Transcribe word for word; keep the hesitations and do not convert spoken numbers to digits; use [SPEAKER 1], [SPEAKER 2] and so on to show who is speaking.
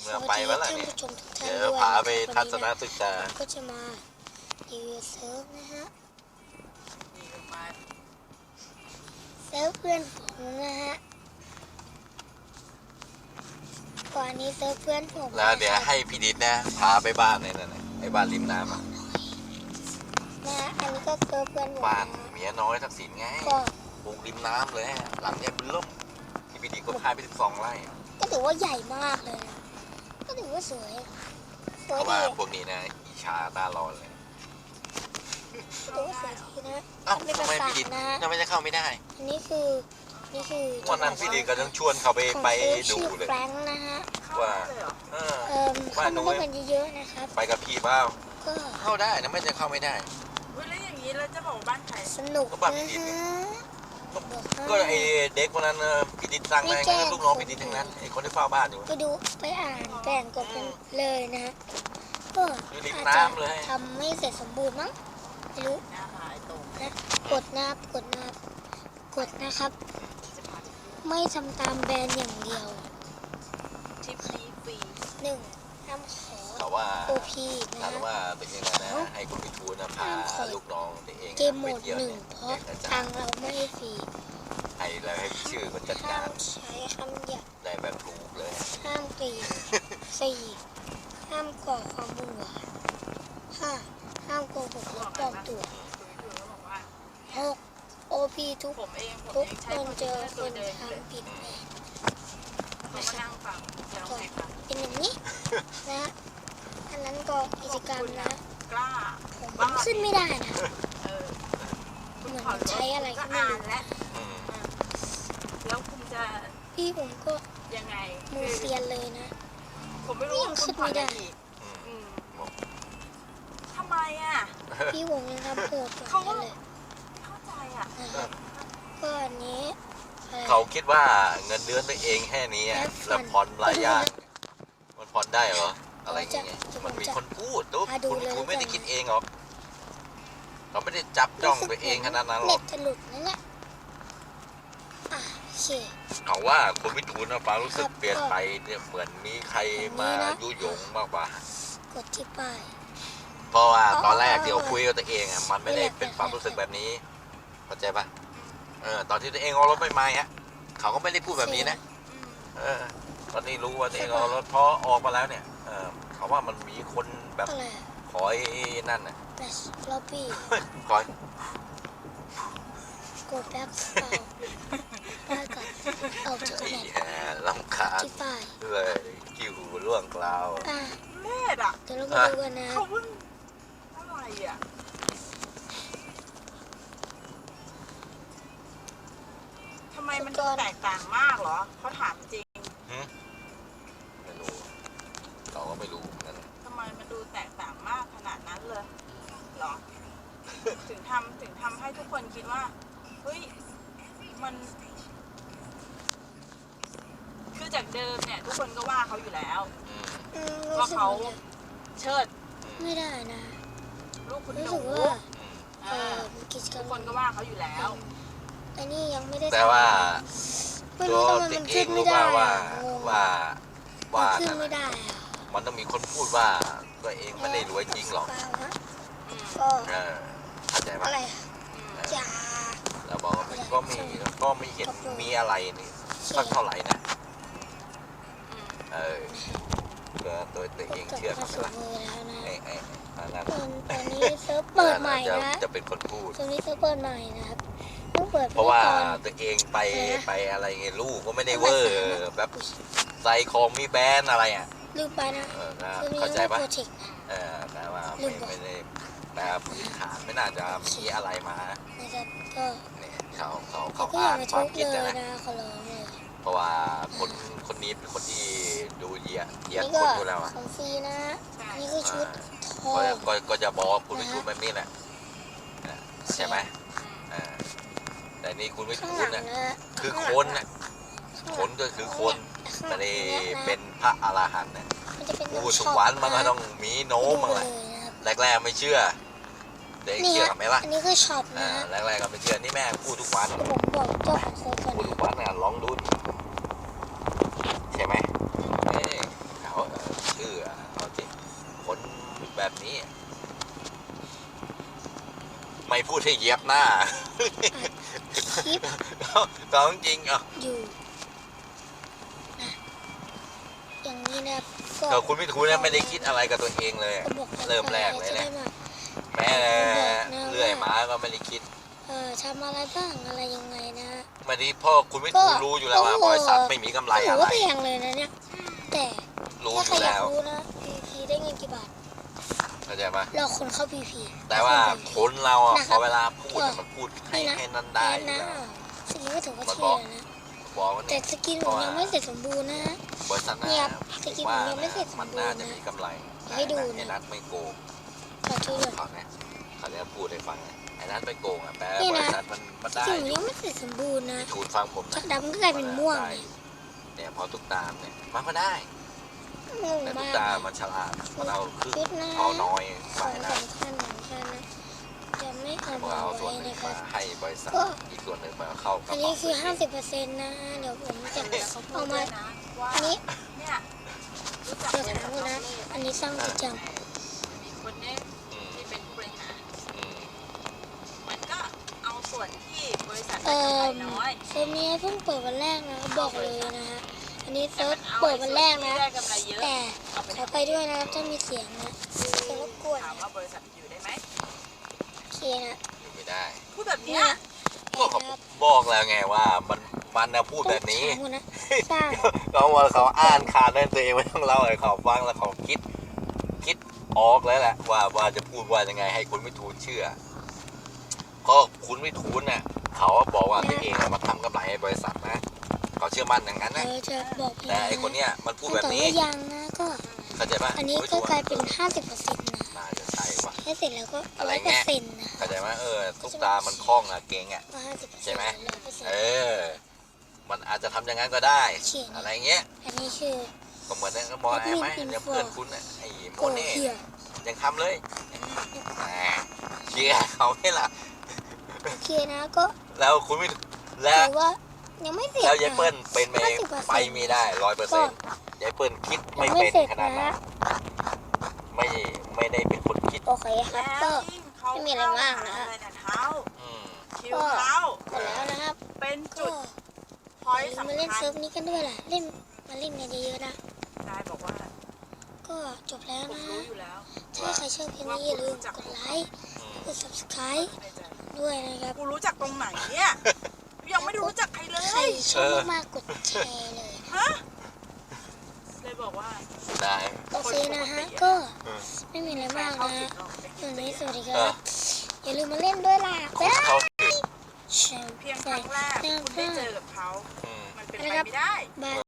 [SPEAKER 1] เมื่อไปวันละเนี่ยเดี๋ยวพาไปทัศนศึกษา
[SPEAKER 2] ก็จะมารีวิวเซิร์ฟนะฮะเซิร์ฟเพื่อนผมนะฮะก่อนนี้เซิร์ฟเพื่อนผม
[SPEAKER 1] แล้วเดี๋ยวให้พี่ดิษนะพาไปบ้านเนี่ยนะไอ้บ้านริมน้ำอ่ะ
[SPEAKER 2] นะอันนี้ก็เซิร์ฟเพื่อนผม
[SPEAKER 1] บ้านเมียน้อยทักษิณไงปลูกริมน้ำเลยหลังใหญ่เป็นล่มที่พี่ดิษก็พาไปสิบสองไร่
[SPEAKER 2] ก็ถือว่าใหญ่มากเลยนะก็ถือว่าสวย
[SPEAKER 1] เพราะว่าพวกนี้นะอิจฉาตาร้อนเลย
[SPEAKER 2] ถือว่าสวยทีนะ
[SPEAKER 1] เอ้าทำไมพี่ดิษทำไมจะเข้าไม่ได้
[SPEAKER 2] อันนี้คือนี่คือ
[SPEAKER 1] วันนั้นพี่ดิษก็ต้องชวนเขาไปไปดูเลย
[SPEAKER 2] แฟรงค์นะฮะ
[SPEAKER 1] ว่า
[SPEAKER 2] เออว่าน้อยกันเยอะๆนะครับ
[SPEAKER 1] ไปกับพี่เปล่าเข้าได้นะไม่จะเข้าไม่ได้
[SPEAKER 3] แล้วอย่างนี้เราจะบอกบ้านใคร
[SPEAKER 2] สนุกนะฮะ
[SPEAKER 1] ก็ไอเด็กคนนั้นพี่ดิษสั่งมาลูกน้องพี่ดิษทั้งนั้นไอคนที่เฝ้าบ้านอยู่
[SPEAKER 2] ไปดูไปอ่านแบ่งกดกันเลยนะฮะก็อาจจะทำไม่เสร็จสมบูรณ์มั้งไม่รู้นะกดนับกดนับกดนะครับไม่ทำตามแบรนด์อย่างเดียว
[SPEAKER 3] ทิปนี้ฟรี
[SPEAKER 2] หนึ่งห้ามขอ
[SPEAKER 1] เขาว่า
[SPEAKER 2] โอพีนะ
[SPEAKER 1] ถามว่าเป็นยังไงนะให้คุณพิทูลนะพาลูกน้องตัวเอง
[SPEAKER 2] เกมโหมดหนึ่งเพราะทางเราไม่ให้ฟรี
[SPEAKER 1] ให้แล้วให้ชื่อคนจัดการ
[SPEAKER 2] ใช้คำหยาบ
[SPEAKER 1] ได้แบบถูกเลย
[SPEAKER 2] ห้ามกรีดสี่ห้ามก่อความวุ่นวายห้าห้ามโกหกและปลอมตัวหกโอพีทุกทุกคนเจอคนทำผิดเองนะครับเป็นอย่างนี้นะอันนั้นก็กิจกรรมนะผมขึ้นไม่ได้นะเหมือนใช้อะไรก็ไม่รู้
[SPEAKER 3] แล้วคุณจะ
[SPEAKER 2] พี่ผมก็
[SPEAKER 3] ยังไง
[SPEAKER 2] มือเซียนเลยนะ
[SPEAKER 3] ผมไม่รู้
[SPEAKER 2] ยังขึ้นไม่ได้
[SPEAKER 3] ทำไมอ่ะ
[SPEAKER 2] พี่ผมยังทำโหดกว่าเลย
[SPEAKER 3] เข้าใจอ่ะ
[SPEAKER 2] ก็อันนี้
[SPEAKER 1] เขาคิดว่าเงินเดือนตัวเองแค่นี้แล้วผ่อนรายย่างมันผ่อนได้เหรออะไรอย่างเงี้ยมันมีคนพูดตุ๊กคุณพิทูลไม่ได้คิดเองหรอกเราไม่ได้จับจ้องไปเองขนาดนั้นหรอก
[SPEAKER 2] เน็ตจะหลุดนั่นแหละอ่ะโอเค
[SPEAKER 1] เขาว่าคุณพิทูลนะฟ้ารู้สึกเปลี่ยนไปเนี่ยเหมือนมีใครมายุยงมากกว่าก
[SPEAKER 2] ดที่ป้าย
[SPEAKER 1] เพราะว่าตอนแรกเดี๋ยวคุยกับตัวเองอ่ะมันไม่ได้เป็นความรู้สึกแบบนี้เข้าใจปะเออตอนที่ตัวเองเอารถไปมาฮะเขาก็ไม่ได้พูดแบบนี้นะเออตอนนี้รู้ว่าตัวเองเอารถพอออกมาแล้วเนี่ยเออเขาว่ามันมีคนแบบคอยนั่นน่ะ
[SPEAKER 2] ล็อบบี้
[SPEAKER 1] คอย
[SPEAKER 2] กดแบ็คเอาได้ก่อนเอาจากไหน
[SPEAKER 1] ลำคาญเลยกิ้วล่วงกล่าว
[SPEAKER 3] เล่ดอ่ะ
[SPEAKER 2] เดี๋ยวเรามาดูกันนะ
[SPEAKER 3] เขาพูดอะไรอ่ะทำไมมันดูแตกต่างมากเหรอเขาถามจริง
[SPEAKER 1] ไม่รู้เราก็ไม่รู้นั่น
[SPEAKER 3] ทำไมมันดูแตกต่างมากขนาดนั้นเลยเหรอถึงทำถึงทำให้ทุกคนคิดว่าเฮ้ยมันคือจากเดิมเนี่ยทุกคนก็ว่าเขาอยู่แล้วว่าเขาเชิด
[SPEAKER 2] ไม่ได้นะ
[SPEAKER 3] ลูกคุณหนู
[SPEAKER 2] ทุก
[SPEAKER 3] คนก็ว่าเขาอยู่แล้ว
[SPEAKER 2] อันนี้ยังไม่ได้
[SPEAKER 1] แต่ว่าตัวติ๊กเองรู้ว่าว่าว่าว่ามันต้องมีคนพูดว่าตัวเองไม่ได้รวยจริงหรอกเออเข้าใจปะ
[SPEAKER 2] จ้า
[SPEAKER 1] แล้วบอกว่าก็มีก็ไม่เห็นมีอะไรนี่สักเท่าไหร่นะเออก็ตัวตัวเองเชื่อเขาละไอ้ไอ้นั่น
[SPEAKER 2] ตอนนี้เซิร์ฟเปิดใหม่นะ
[SPEAKER 1] จะเป็นคนพูด
[SPEAKER 2] ตอนนี้เซิร์ฟเปิดใหม่นะครับ
[SPEAKER 1] เพราะว่าตัวเองไปไปอะไรเงี้ยลูกก็ไม่ได้เวอร์แบบใส่ของมีแบรนด์อะไรอ่ะ
[SPEAKER 2] ลืมไปนะ
[SPEAKER 1] เข้าใจปะเออแต่ว่าไม่ไม่ได้แต่พื้นฐานไม่น่าจะมีอะไรมา
[SPEAKER 2] นะครับก็
[SPEAKER 1] เนี่ยเขาเขาเขาอ่านความคิดนะเพราะว่าคนคนนี้เป็นคนที่ดูเยียเยียคนอยู่แล้วอ่ะ
[SPEAKER 2] ของฟรีนะนี่คือชุดทอง
[SPEAKER 1] ก็ก็จะบอกคุณไม่ชุดแบบนี้แหละใช่ไหมแต่นี่คุณไม่คุณน่ะคือคนน่ะคนก็คือคนแต่นี่เป็นพระอรหันต์เนี่ยผู้สวรรค์มันก็ต้องมีโน้มอะไรแรกๆไม่เชื่อเด็กเชื่อไหมล่ะ
[SPEAKER 2] อันนี้คือช็อปนะ
[SPEAKER 1] แรกๆก็ไม่เชื่อนี่แม่พูดทุกวัน
[SPEAKER 2] ผมบอกเจ้าของโซน
[SPEAKER 1] พูดทุกวันน่ะลองดูใช่ไหมเขาพูดให้เหยียบหน้า
[SPEAKER 2] คลิป
[SPEAKER 1] ก็จริงอ่ะ
[SPEAKER 2] อยู่นะอย่างนี้นะก็
[SPEAKER 1] ก็คุณวิทูลเนี่ยไม่ได้คิดอะไรกับตัวเองเลย
[SPEAKER 2] ก็บอก
[SPEAKER 1] เริ่มแรกเลย
[SPEAKER 2] จะ
[SPEAKER 1] นะ
[SPEAKER 2] ได้มา
[SPEAKER 1] แม้เลื่อยหมาก็ไม่ได้คิด
[SPEAKER 2] เอ่อทำอะไรบ้างอะไรยังไงนะ
[SPEAKER 1] ไม่ได้พ่อคุณวิทูลรู้อยู่แล้วว่าบริษัทไม่มีกำไร
[SPEAKER 2] ถื
[SPEAKER 1] อะ
[SPEAKER 2] อ
[SPEAKER 1] ไร
[SPEAKER 2] ว่าแพงเลยนะเนี่ยแต่
[SPEAKER 1] รู้
[SPEAKER 2] ถ้า
[SPEAKER 1] อ
[SPEAKER 2] ใคร
[SPEAKER 1] ยู่
[SPEAKER 2] อยา
[SPEAKER 1] แล้
[SPEAKER 2] ก
[SPEAKER 1] ว
[SPEAKER 2] รู้นะ พี พี ได้เงินกี่บาท
[SPEAKER 1] เข้าใจไหม
[SPEAKER 2] เราคนเข้า พี พี
[SPEAKER 1] แต่ว่าคนเราอ่ะ
[SPEAKER 2] นะครับ
[SPEAKER 1] พอเวลาพูดอะมันพูดให้ให้นั่นได้อยู่
[SPEAKER 2] นะ
[SPEAKER 1] แล้ว
[SPEAKER 2] สกินก็ถือว่า
[SPEAKER 1] มัน
[SPEAKER 2] เท่
[SPEAKER 1] บอก
[SPEAKER 2] นะ
[SPEAKER 1] บอกว่า
[SPEAKER 2] แต่
[SPEAKER 1] เนี่ย
[SPEAKER 2] สกินผมยังไม่เสร็จสมบูรณ์นะ
[SPEAKER 1] บริษัท
[SPEAKER 2] เนี่
[SPEAKER 1] น่ะ
[SPEAKER 2] ยสกิน
[SPEAKER 1] ว่า
[SPEAKER 2] ผมยังไม่เสร็จสมบูรณ์
[SPEAKER 1] มันน่าจะมีกำไร
[SPEAKER 2] ให้ดูนะ
[SPEAKER 1] ไอ้นัทไม่โกง
[SPEAKER 2] ขอโทษ
[SPEAKER 1] เขาเนี่ยเขาเนี่ยพูดให้ฟังนะไอ้นัทไม่โกงอ่ะแปล
[SPEAKER 2] นี่
[SPEAKER 1] บ
[SPEAKER 2] นะ
[SPEAKER 1] ริษัทมันมัน
[SPEAKER 2] ส
[SPEAKER 1] ได้
[SPEAKER 2] กินผม
[SPEAKER 1] อ
[SPEAKER 2] ยั
[SPEAKER 1] ยู่
[SPEAKER 2] งไม่เสร็จสมบูรณ์นะ
[SPEAKER 1] วิทูลฟังผม
[SPEAKER 2] จาก
[SPEAKER 1] นะ
[SPEAKER 2] ดำก็กลายเป็นม่วง
[SPEAKER 1] ได้เนี่ยพอตุ๊กตามเนี่ยมันก็ได้
[SPEAKER 2] งง
[SPEAKER 1] แต่ตุ๊
[SPEAKER 2] มาก ก
[SPEAKER 1] ตามันฉลาดมันเอาครึ่ง
[SPEAKER 2] ชุดนะ
[SPEAKER 1] เอาน้อย
[SPEAKER 2] ข
[SPEAKER 1] ไป
[SPEAKER 2] อง
[SPEAKER 1] นะ
[SPEAKER 2] สำคัญสำคัญนะจะไม่เอา
[SPEAKER 1] มัน
[SPEAKER 2] มา
[SPEAKER 1] เอาส่ว
[SPEAKER 2] ไว้
[SPEAKER 1] นหนึ่ง
[SPEAKER 2] นะครั
[SPEAKER 1] มา
[SPEAKER 2] บ
[SPEAKER 1] ให้บริษัท
[SPEAKER 2] ก็
[SPEAKER 1] อีกส่วนหนึ่งมาเข้ากระ
[SPEAKER 2] อัน
[SPEAKER 1] เป๋า
[SPEAKER 2] นี้คือ ห้าสิบเปอร์เซ็นต์ นะ เดี๋ยวผมจะ
[SPEAKER 3] แต่เขาพู
[SPEAKER 2] เอา
[SPEAKER 3] ดด้
[SPEAKER 2] มา
[SPEAKER 3] วยนะว่า
[SPEAKER 2] อันนี้
[SPEAKER 3] เนี่ยรู้จัก
[SPEAKER 2] เดี๋ยวถามคุณนะ อันนี้สร้างประจ
[SPEAKER 3] มีคนเนี้ย
[SPEAKER 1] อืม
[SPEAKER 3] ที่เป็นผู้บริหาร
[SPEAKER 1] อืม
[SPEAKER 3] มันก็เอาส่วนที่บริษัท
[SPEAKER 2] ำ
[SPEAKER 3] ได้
[SPEAKER 2] เอ่
[SPEAKER 3] กำไร
[SPEAKER 2] อ
[SPEAKER 3] น้อย
[SPEAKER 2] เซิร์ฟนี้เพิ่งเปิดวันแรกนะบอกเลยนะฮะ อันนี้เซิร์ฟเปิดวันแรกนะ
[SPEAKER 3] ได้กำไรเยอะ
[SPEAKER 2] แต่
[SPEAKER 3] เอาไป
[SPEAKER 2] ขอไปด้วยนะครับถ้ามีเสียงนะจะรบกวน
[SPEAKER 3] ถาม
[SPEAKER 2] นะ
[SPEAKER 3] ว่าบริษัทอยู่ได้ไหม
[SPEAKER 2] โอเคนะ
[SPEAKER 1] อยู่ไม่ได้
[SPEAKER 3] พูดแบบ
[SPEAKER 2] เนี่
[SPEAKER 3] เนี้
[SPEAKER 2] ย
[SPEAKER 3] ย
[SPEAKER 1] ก็เขาบอกแล้วไงว่ามันมันนะพูดแบบนี้
[SPEAKER 2] ต้องถามคุณนะสร้าง
[SPEAKER 1] เขาว่าเขาอ่านขาดนั่นตัวเองไม่ต้องเล่าให้เขาฟังแล้วเขาคิด คิดออกแล้วแหละว่าว่าจะพูดว่ายังไงให้คุณวิทูลเชื่อก็คุณวิทูลน่ะเขาบอกว่าตัวเองน่ะมาทำกำไรให้บริษัทนะเขาเชื่อมั่นอย่างนั้น
[SPEAKER 2] เอ
[SPEAKER 1] นะ
[SPEAKER 2] อจะบอกพี่
[SPEAKER 1] แต่
[SPEAKER 2] นะ
[SPEAKER 1] ไอคนเนี้ยมันพูด
[SPEAKER 2] ขั้น
[SPEAKER 1] แบบ
[SPEAKER 2] ตอน
[SPEAKER 1] นี้
[SPEAKER 2] ก็ยังนะก็
[SPEAKER 1] เข้าใจปะ
[SPEAKER 2] อันนี้
[SPEAKER 1] คุณวิ
[SPEAKER 2] ก็
[SPEAKER 1] ทูล
[SPEAKER 2] กลายเป็น ห้าสิบเปอร์เซ็นต์ นะ
[SPEAKER 1] น่าจะใช่วะ
[SPEAKER 2] ให้เสร็จแล้วก็
[SPEAKER 1] อะไร
[SPEAKER 2] ร้อยเปอ
[SPEAKER 1] เงี้ย
[SPEAKER 2] ร์เซ็นต์นะ
[SPEAKER 1] เข้าใจไหมเออทุกตามันคล่องอะเก่งอะ
[SPEAKER 2] ก็ห้าสิบเปอร์เซ็นต์
[SPEAKER 1] ใช่ไหม
[SPEAKER 2] ร้อยเปอร์เซ็น
[SPEAKER 1] เอ
[SPEAKER 2] ต์
[SPEAKER 1] อ มันอาจจะทำอย่างนั้นก็ได้
[SPEAKER 2] เขียน
[SPEAKER 1] อะไรเงี้ย
[SPEAKER 2] อันนี้คือ
[SPEAKER 1] ก็เหมือนนั่นก็บอกไอ้ไหมเดี๋ยวเพื่อนคุณน่ะไอ้โม
[SPEAKER 2] โก
[SPEAKER 1] เน่
[SPEAKER 2] เฮีย
[SPEAKER 1] ยังทำเลยแหมเชียร์เขาไม่ละ
[SPEAKER 2] โอเคนะก็
[SPEAKER 1] แล้วคุณไม่แล้
[SPEAKER 2] ถื
[SPEAKER 1] ว
[SPEAKER 2] อว่ายังไม่เสร็จ
[SPEAKER 1] แล้วยายเปิ้ล
[SPEAKER 2] นะ
[SPEAKER 1] เป็นไปไปไม่ได้ร้อยเปอร์เซ็นต์ยายเปิ้ลคิดไม่
[SPEAKER 2] ยังไม่
[SPEAKER 1] เป็น
[SPEAKER 2] เสร็จ
[SPEAKER 1] ขนาด
[SPEAKER 2] นะ
[SPEAKER 1] นั้นไม่ไม่ได้เป็นคนคิด
[SPEAKER 2] โอเคครับก็
[SPEAKER 3] เขา
[SPEAKER 2] ไม่มีอะไรมากนะ
[SPEAKER 3] อะไรแต่เท้า
[SPEAKER 1] อืม
[SPEAKER 3] คิวเท้า
[SPEAKER 2] หมดแล้วนะครับ
[SPEAKER 3] เป็น
[SPEAKER 2] ก็
[SPEAKER 3] จุดพ
[SPEAKER 2] อ
[SPEAKER 3] อย
[SPEAKER 2] ย่า
[SPEAKER 3] ต์
[SPEAKER 2] ลืมมา
[SPEAKER 3] สำ
[SPEAKER 2] เล่น
[SPEAKER 3] คั
[SPEAKER 2] เซิ
[SPEAKER 3] ญ
[SPEAKER 2] ร์ฟนี้กันด้วยล่ะเล่นมาเล่นกันเยอะๆนะ
[SPEAKER 3] นายบอกว่า
[SPEAKER 2] ก็จบแล้ว
[SPEAKER 3] ผม
[SPEAKER 2] นะ
[SPEAKER 3] รู้อยู่แล้ว
[SPEAKER 2] ถ้าใครชอบคลิปนี้อย่าลืมกดไลค์
[SPEAKER 1] อืม
[SPEAKER 2] กด subscribe
[SPEAKER 3] ในใจ
[SPEAKER 2] ด้วยนะครับ
[SPEAKER 3] กูรู้จักตรงไหนเนี่ยยังไม่ได้รู้จักใครเล
[SPEAKER 2] ใคร
[SPEAKER 3] ย
[SPEAKER 2] ชอบมากๆกดแชร์เลย
[SPEAKER 3] ฮะเลยบอกว่า
[SPEAKER 1] ได้
[SPEAKER 2] โอเคนะฮะก็ไม่มีอะไรมาก
[SPEAKER 3] เข้า
[SPEAKER 2] นะ
[SPEAKER 3] สิบรอบ
[SPEAKER 2] วันนี้สวัสดีค
[SPEAKER 1] เอ
[SPEAKER 2] รั
[SPEAKER 1] อบ
[SPEAKER 2] อย่าลืมมาเล่นด้วยล่ะ
[SPEAKER 1] คน
[SPEAKER 2] บ๊ายบาย
[SPEAKER 1] เขา
[SPEAKER 2] แชร์
[SPEAKER 3] เพียงครั้งแรกคุณได้เจอกับเขา
[SPEAKER 1] อืม
[SPEAKER 3] มันเป็นไปไม่ได้
[SPEAKER 2] บาย